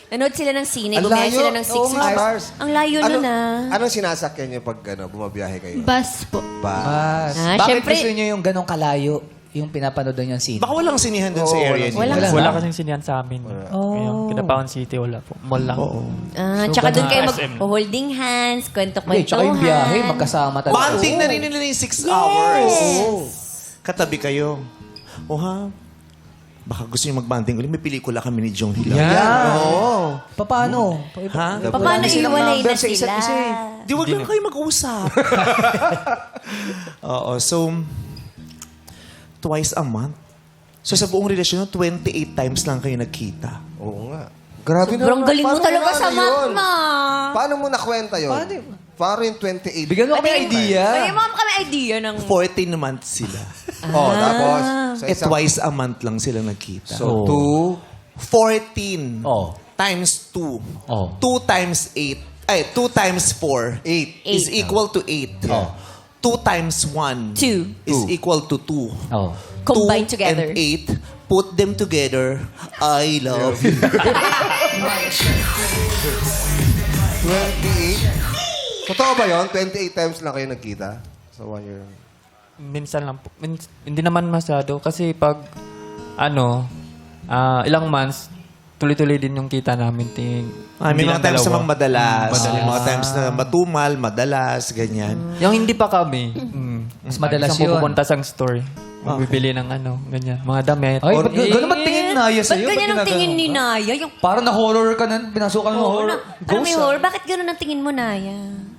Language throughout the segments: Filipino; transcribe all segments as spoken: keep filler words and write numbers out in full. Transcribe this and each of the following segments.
Nanood sila ng sine, Ang bumaya layo. sila ng six Oo nga. hours. Ang layo Ano, nun ah. anong sinasakyan niyo pag ano, bumabiyahe kayo? Bus po. Ba? Mas, Ah, bakit syempre- gusto niyo yung ganong kalayo? Yung pinapanood niyo yung scene? Baka walang sinihan dun sa Oo, area wala. niyo. Wala. Wala kasing sinihan sa amin. Oh. Kinapawan City, wala po. Mall lang. Ah, So, tsaka doon ganun. kayo S M. mag-holding hands, Hindi, kwento-kwentuhan. tsaka yung biyahe, magkasama talaga. Bonding na rin nila yung six hours. Katabi kayo. O ha? Baka gusto niyo mag-bonding ulit. May pelikula kami ni Jong Hilaw. Yan. Oo. Pa- Paano? Ha? Paano silang iwalay number na sa isa't sila? isa eh. Di wag lang kayo mag-usap. Oo, so, twice a month. So sa buong relasyon, twenty-eight times lang kayo nagkita. Oo nga. Grabe Sobrang galing mo Paano talaga na sa ano math, yun? ma. Paano mo nakwenta yun? Paano? Paano yung twenty-eight? Bigyan mo kami Pati- idea. Bigyan mo kami idea ng... fourteen months sila. Oh, tapos? Sa Eh, isang- twice a month lang sila nagkita. So, two. fourteen Oh. times two. Oh. two times eight. Ay, two times four. Eight. Is equal to eight. Oh. two times one. Two. Is Two. equal to two. Oh. Combine two together. and eight. Put them together. I love you. twenty-eight? Totoo ba yun? twenty-eight times lang kayo nagkita? Sa one year. Minsan lang po. Min- hindi naman masyado. Kasi pag, ano, ah, ilang months, tuloy-tuloy din yung kita namin. Ting, Ah, may hindi mga lang times dalawa. namang madalas. Madalas. May mga times na matumal, madalas, ganyan. Yung hindi pa kami. Mm. Mas madalas Isang yun. pupunta sa store. Bibili ng ano, ganyan. Mga damit. Ay, Or- ba't g- gano'n ba't tingin ni Naya Ba't sa'yo? ganyan ang ginaganon tingin ni ka? Naya? Yung... Parang na-horror ka na, pinasukan mo Oo, horror. na, parang may Ghost, ah. horror. Bakit gano'n ang tingin mo, Naya?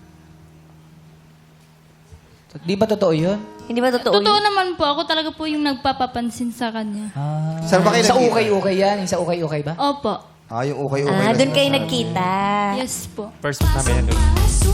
Di ba totoo yun? Hindi ba totoo Totoo yun? naman po. Ako talaga po yung nagpapapansin sa kanya. Ah. Saan ba kayo Sa nagkita? ukay-ukay yan? Yung sa ukay-ukay ba? Opo. Ah, yung okay-okay. Ah, na doon kayo sinasabi. nagkita. Yes po. First namin. Ano.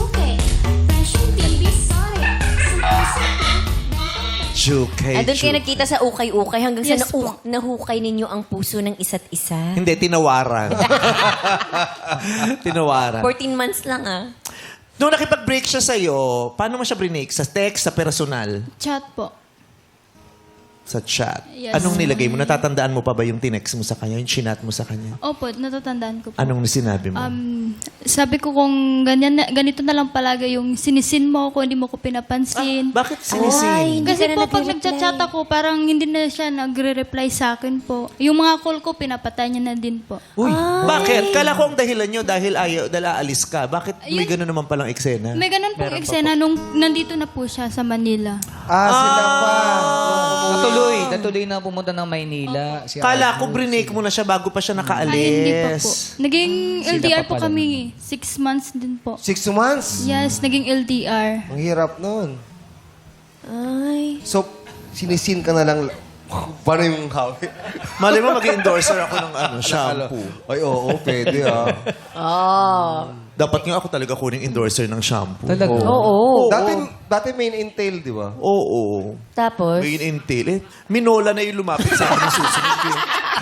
Jukay, Ah, doon kayo Ju- nagkita sa ukay-ukay hanggang Yes sa nau- nahukay ninyo ang puso ng isa't isa. Hindi, tinawaran. tinawaran. fourteen months lang ah. Nung nakipag-break siya sa'yo, paano mo siya brinake? Sa text, sa personal? Chat po. Sa chat? Yes. Anong nilagay mo? Natatandaan mo pa ba yung tinext mo sa kanya? Yung chinat mo sa kanya? Opo, natatandaan ko po. Anong sinabi mo? Um, sabi ko kung ganyan na, ganito na lang palagi yung sinisin mo ako, hindi mo ko pinapansin. Bakit Ay, sinisin? hindi Kasi ka na po, pag nagre-reply. nagchat-chat ako, parang hindi na siya nagre-reply sa akin po. Yung mga call ko, pinapatay niya na din po. Uy, bakit? Kala ko ang dahilan nyo dahil ayaw, dahil aalis ka. Bakit may Ayun. gano'n naman palang eksena? May ganun pong eksena nung nandito na po siya sa Manila. Ah, sila pa. Natuloy. Natuloy na pumunta ng Maynila. Si Kala Arnold, ko brinake mo na siya bago pa siya Ay, hindi pa po. nakaalis. Naging Sila L D R pa po pala kami. Six months din po. Six months? Yes, naging L D R. Ang hirap nun. Ay. So, sinisin ka na lang. Paano yung hawi? Mali mo, mag-endorser ako ng ano, shampoo. Ay, oo, pwede ah. Oh. Dapat nga ako talaga kuning endorser ng shampoo. Talaga? Oo. Dati, dati main entail, di ba? Oo. Tapos? May intel. Eh, minola na yung lumapit sa akin ng susunod. eh.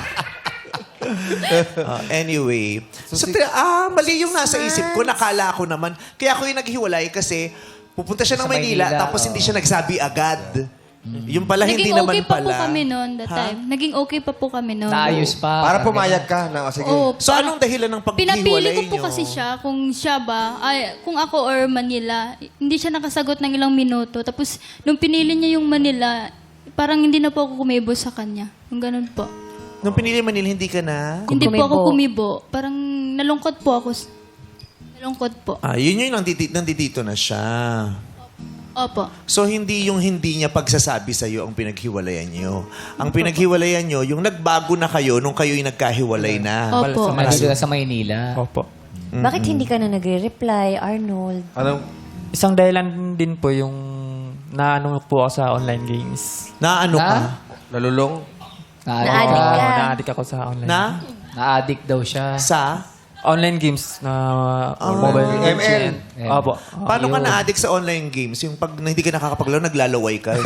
Ah, anyway. So, So, ti- ah, mali yung nasa isip ko. Nakala ko naman. Kaya ako yung naghiwalay kasi pupunta siya ng Sa Maynila, Maynila, tapos oo. hindi siya nagsabi agad. Yung pala, hindi Naging naman okay pa pala. po kami noon that Ha? time. Naging okay pa po kami noon. Naayos pa. Para pumayag ka na, o sige. Oo, So, anong dahilan ng paghiwalay pinapili ko po niyo? kasi siya kung siya ba, ay, kung ako or Manila, hindi siya nakasagot ng ilang minuto. Tapos, nung pinili niya yung Manila, parang hindi na po ako kumibo sa kanya. Yung ganun po. Nung pinili Manila, hindi ka na? Hindi po Kumibo. ako kumibo. Parang nalungkot po ako. Nalungkot po. Ah, yun yun, nandito, nandito na siya. Opo. So, hindi yung hindi niya pagsasabi sa'yo ang pinaghiwalayan niyo. Ang pinaghiwalayan niyo, yung nagbago na kayo nung kayo'y nagkahiwalay na. Opo. Nandito na sa Maynila. Opo. Bakit hindi ka na nagre-reply, Arnold? Anong, Isang dahilan din po yung naano po ako sa online games. Na ano ka? Na? nalulong? Na-addict Na-addict ka. ka. Oo, na-addict ako sa online. Na? Na-addict daw siya. Sa? Online games na mobile M L. legend. Opo. Paano ka Ayun. na-addict sa online games? Yung pag na hindi ka nakakapaglaro, naglalaway ka.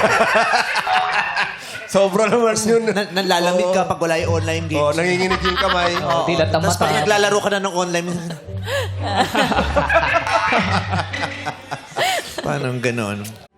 Sobra naman yun. na, nalalamig ka pag wala yung online games. Oo, nanginginig yung kamay. Oo. Dilat ang Tapos pag mata. naglalaro ka na ng online, paano ganon?